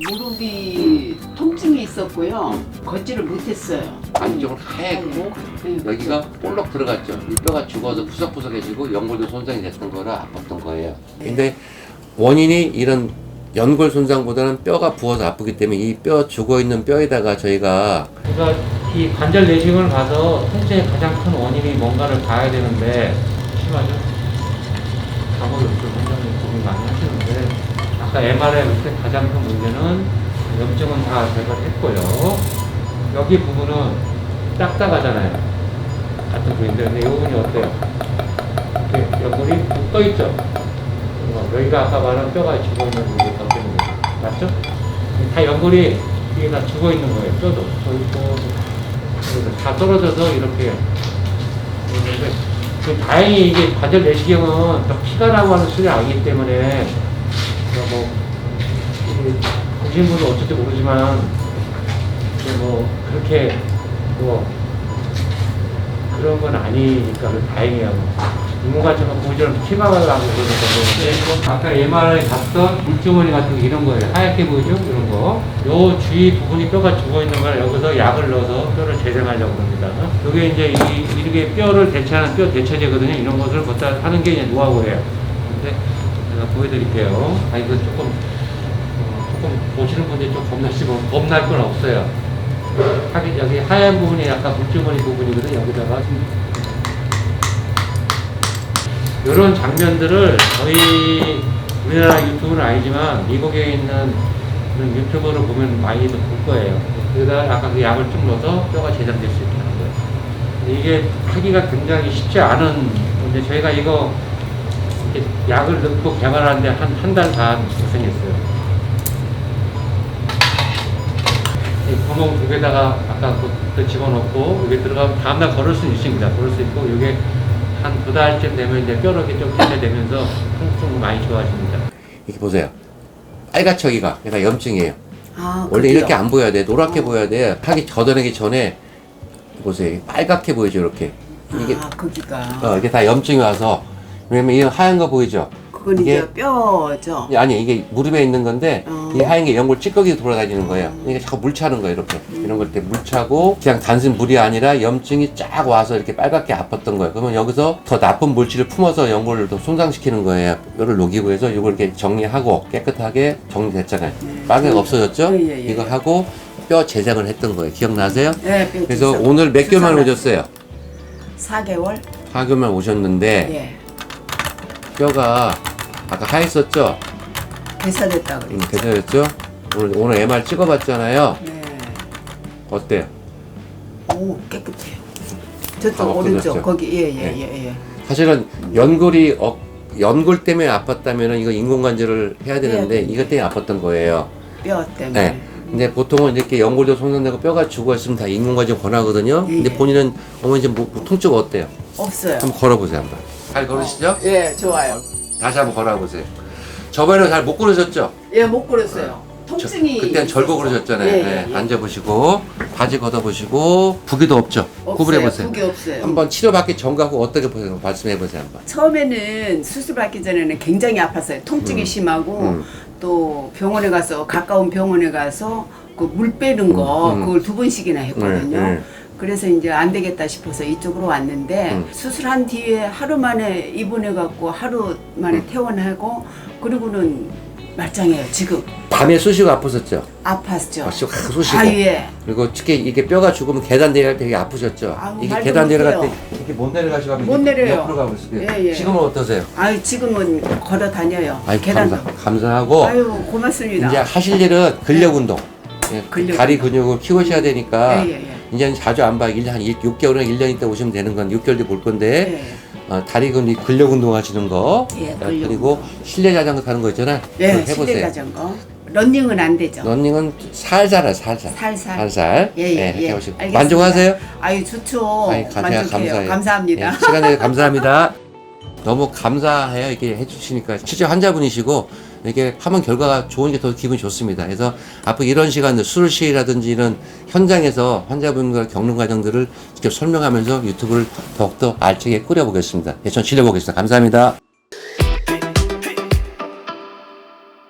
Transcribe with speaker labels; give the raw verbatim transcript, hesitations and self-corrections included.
Speaker 1: 무릎이 통증이 있었고요. 걷지를 못했어요.
Speaker 2: 안쪽은 하얗고
Speaker 1: 네,
Speaker 2: 여기가 볼록 들어갔죠. 이 뼈가 죽어서 푸석푸석해지고 연골도 손상이 됐던 거라 아팠던 거예요. 근데 원인이 이런 연골 손상보다는 뼈가 부어서 아프기 때문에 이 뼈 죽어있는 뼈에다가 저희가
Speaker 3: 그러니까 이 관절 내시경을 가서 통증의 가장 큰 원인이 뭔가를 봐야 되는데 심하죠? 감을 이렇게 원장님 고민 많이 하시는데 아까 엠알아이 볼 때 가장 큰 문제는 염증은 다 제거했고요. 여기 부분은 딱딱하잖아요. 같은 부위인데 근데 이 부분이 어때요? 이렇게 연골이 푹 떠있죠? 여기가 아까 말한 뼈가 죽어있는 부분이 더 때문에 맞죠? 다 연골이 이게 다 죽어있는 거예요. 뼈도 저 있고 다 떨어져서 이렇게 있는데 다행히 이게 관절 내시경은 피가 나고 하는 수준이 아니기 때문에 뭐 보신 분은 어쩔지 모르지만 뭐 그렇게 뭐 그런 건 아니니까 다행이에요. 인공관절은 보이처럼 피가 나고 그러는 건데 아까 엠알아이 봤던 물주머니 같은 거 이런 거예요. 하얗게 보이죠? 이런 거. 요 주위 부분이 뼈가 죽어있는 걸 여기서 약을 넣어서 뼈를 재생하려고 합니다. 이게 이제 이, 이렇게 뼈를 대체하는 뼈 대체제거든요. 이런 것을 갖다 하는 게 이제 노하우예요. 근데 제가 보여드릴게요. 아, 이거 조금, 어, 조금 보시는 분들이 좀 겁나시고, 겁날 건 없어요. 하긴 여기 하얀 부분이 약간 물주머니 부분이거든요. 여기다가. 이런 장면들을 저희 우리나라 유튜브는 아니지만 미국에 있는 그런 유튜버를 보면 많이들 볼 거예요. 그러다 아까 그 약을 좀 넣어서 뼈가 재장될 수 있게 하는 거예요. 근데 이게 하기가 굉장히 쉽지 않은 건데 저희가 이거 이렇게 약을 넣고 개발하는데 한 한 달 반 고생했어요. 이 구멍 두 개다가 아까 그 집어넣고 여기 들어가면 다음날 걸을 수 있습니다. 걸을 수 있고 이게 한 두 달쯤 되면 이제 뼈로 이렇게 좀 대체되면서 통증이 많이 좋아집니다.
Speaker 2: 이렇게 보세요. 빨갛죠 여기가. 그러니까 염증이에요.
Speaker 1: 아,
Speaker 2: 원래
Speaker 1: 그래요?
Speaker 2: 이렇게 안 보여야 돼. 노랗게
Speaker 1: 어.
Speaker 2: 보여야 돼. 하기 걷어내기 전에 보세요. 빨갛게 보이죠 이렇게. 이게
Speaker 1: 아, 거기가.
Speaker 2: 어, 이게 다 염증이 와서 왜냐면 이 하얀 거 보이죠?
Speaker 1: 그건
Speaker 2: 이게-
Speaker 1: 이제 뼈죠.
Speaker 2: 아니 이게 무릎에 있는 건데
Speaker 1: 어.
Speaker 2: 이 하얀 게 연골 찌꺼기 돌아다니는 거예요. 이게 자꾸 물 차는 거예요 이렇게. 이런 걸 때 물 차고 그냥 단순 물이 아니라 염증이 쫙 와서 이렇게 빨갛게 아팠던 거예요. 그러면 여기서 더 나쁜 물질을 품어서 연골을 더 손상시키는 거예요. 뼈를 녹이고 해서 이걸 이렇게 정리하고 깨끗하게 정리됐잖아요. 빨개가 없어졌죠?
Speaker 1: 예, 예, 예.
Speaker 2: 이거 하고 뼈 재생을 했던 거예요. 기억나세요?
Speaker 1: 네, 뼈
Speaker 2: 그래서
Speaker 1: 주사-
Speaker 2: 오늘 몇 개월 만에
Speaker 1: 주사를-
Speaker 2: 오셨어요?
Speaker 1: 사 개월?
Speaker 2: 사 개월 만에 오셨는데
Speaker 1: 예.
Speaker 2: 뼈가 아까 하였었죠?
Speaker 1: 개사됐다
Speaker 2: 음,
Speaker 1: 그랬죠.
Speaker 2: 괜찮았죠? 오늘, 오늘 엠알 찍어봤잖아요.
Speaker 1: 네.
Speaker 2: 어때요?
Speaker 1: 오, 깨끗해요.
Speaker 2: 다
Speaker 1: 저쪽
Speaker 2: 없어졌죠?
Speaker 1: 오른쪽 거기 예예예
Speaker 2: 네.
Speaker 1: 예, 예.
Speaker 2: 사실은 연골이 어, 연골 때문에 아팠다면 이거 인공관절을 해야 되는데
Speaker 1: 해야
Speaker 2: 이것 때문에 아팠던 거예요.
Speaker 1: 뼈 때문에.
Speaker 2: 네. 근데 보통은 이렇게 연골도 손상되고 뼈가 죽어있으면 다 인공관절 권하거든요.
Speaker 1: 예,
Speaker 2: 근데
Speaker 1: 예.
Speaker 2: 본인은 어머니 지금 뭐, 뭐 통증 어때요?
Speaker 1: 없어요.
Speaker 2: 한번 걸어보세요 한번. 잘 걸으시죠?
Speaker 1: 예, 좋아요.
Speaker 2: 다시 한번 걸어보세요. 저번에는 잘 못 걸으셨죠?
Speaker 1: 예, 못 걸었어요. 통증이.
Speaker 2: 그때는 절고
Speaker 1: 있었어.
Speaker 2: 그러셨잖아요.
Speaker 1: 예,
Speaker 2: 네,
Speaker 1: 예, 예.
Speaker 2: 앉아보시고 바지 걷어보시고 부기도 없죠?
Speaker 1: 없어요.
Speaker 2: 구부려보세요.
Speaker 1: 그게 없어요.
Speaker 2: 한번 치료받기 전과 후 어떻게 보세요? 말씀해보세요 한번.
Speaker 1: 처음에는 수술 받기 전에는 굉장히 아팠어요. 통증이
Speaker 2: 음.
Speaker 1: 심하고
Speaker 2: 음.
Speaker 1: 또 병원에 가서 가까운 병원에 가서 그 물 빼는 거
Speaker 2: 음, 음.
Speaker 1: 그걸 두 번씩이나 했거든요.
Speaker 2: 네, 네.
Speaker 1: 그래서 이제 안 되겠다 싶어서 이쪽으로 왔는데
Speaker 2: 음.
Speaker 1: 수술한 뒤에 하루 만에 입원해 갖고 하루 만에
Speaker 2: 음.
Speaker 1: 퇴원하고 그리고는 말짱해요. 지금
Speaker 2: 밤에 쑤시고 아프셨죠?
Speaker 1: 아팠죠.
Speaker 2: 아, 쑤- 쑤시고.
Speaker 1: 아 예.
Speaker 2: 그리고 특히 이게 뼈가 죽으면 계단 내려갈 때 되게 아프셨죠?
Speaker 1: 아우,
Speaker 2: 이게
Speaker 1: 말도
Speaker 2: 계단 내려갈 때
Speaker 1: 못해요.
Speaker 2: 이렇게 못 내려가시고 하면
Speaker 1: 못
Speaker 2: 이렇게
Speaker 1: 내려요.
Speaker 2: 옆으로 가고 있어요.
Speaker 1: 예, 예.
Speaker 2: 지금은 어떠세요?
Speaker 1: 아유 지금은 걸어 다녀요.
Speaker 2: 아이
Speaker 1: 계단도.
Speaker 2: 감사, 감사하고
Speaker 1: 아유 고맙습니다.
Speaker 2: 이제 하실 일은 근력 운동. 예,
Speaker 1: 근력
Speaker 2: 다리
Speaker 1: 운동.
Speaker 2: 근육을 키우셔야 되니까
Speaker 1: 예, 예, 예.
Speaker 2: 이제는 자주 안 봐. 일 년 한 육 개월이나 일 년 있다 오시면 되는 건 육 개월 뒤에 볼 건데
Speaker 1: 예.
Speaker 2: 어, 다리 근육 근력 운동 하시는 거
Speaker 1: 예,
Speaker 2: 어,
Speaker 1: 근력
Speaker 2: 그리고
Speaker 1: 운동.
Speaker 2: 실내 자전거 타는 거 있잖아요.
Speaker 1: 예,
Speaker 2: 그거
Speaker 1: 실내
Speaker 2: 해보세요.
Speaker 1: 자전거. 런닝은 안 되죠.
Speaker 2: 러닝은 살살 하 살살.
Speaker 1: 살살.
Speaker 2: 살살.
Speaker 1: 예, 예,
Speaker 2: 예,
Speaker 1: 예.
Speaker 2: 해보시고.
Speaker 1: 알겠습니다.
Speaker 2: 만족하세요?
Speaker 1: 아유 좋죠.
Speaker 2: 아이, 가- 제가
Speaker 1: 만족해요.
Speaker 2: 감사해요.
Speaker 1: 감사합니다.
Speaker 2: 예, 시간 내서 감사합니다. 너무 감사해요. 이렇게 해주시니까. 실제 환자분이시고, 이렇게 하면 결과가 좋은 게 더 기분이 좋습니다. 그래서 앞으로 이런 시간들, 수술실이라든지 이런 현장에서 환자분과 겪는 과정들을 직접 설명하면서 유튜브를 더욱더 알차게 꾸려보겠습니다. 예, 전 질려보겠습니다. 감사합니다.